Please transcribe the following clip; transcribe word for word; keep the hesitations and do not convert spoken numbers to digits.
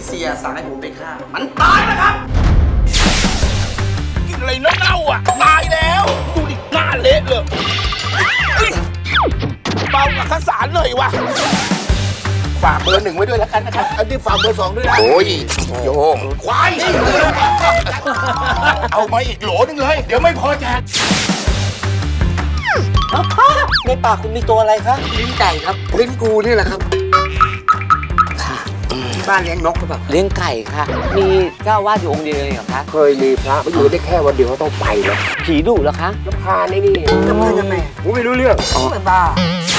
เสียสั่งให้ผมไปฆ่ามันตายแล้วครับกินอะไรเน่าๆอ่ะตายแล้วดูดิหน้าเละเลยเบากับข้าวสารหน่อยวะฝากเบอร์หนึ่งไว้ด้วยแล้วกันนะครับอันนี้ฝากเบอร์สองด้วยนะโอ้ยโยงควายเอามาอีกโหลนึงเลยเดี๋ยวไม่พอแจกในปากคุณมีตัวอะไรคะลิ้นไก่ครับลิ้นกูนี่แหละครับที่บ้านเลี้ยงนกหรือเปล่าเลี้ยงไก่ค่ะ มีเจ้าอาวาสอยู่องค์เดียวเองเหรอคะเคยมีพระมาอยู่ได้แค่วันเดียวเขาต้องไปแล้วผีดุเหรอคะน้ำพาในนี่ทำไมทำไมกูไม่รู้เรื่องเป็นบ้า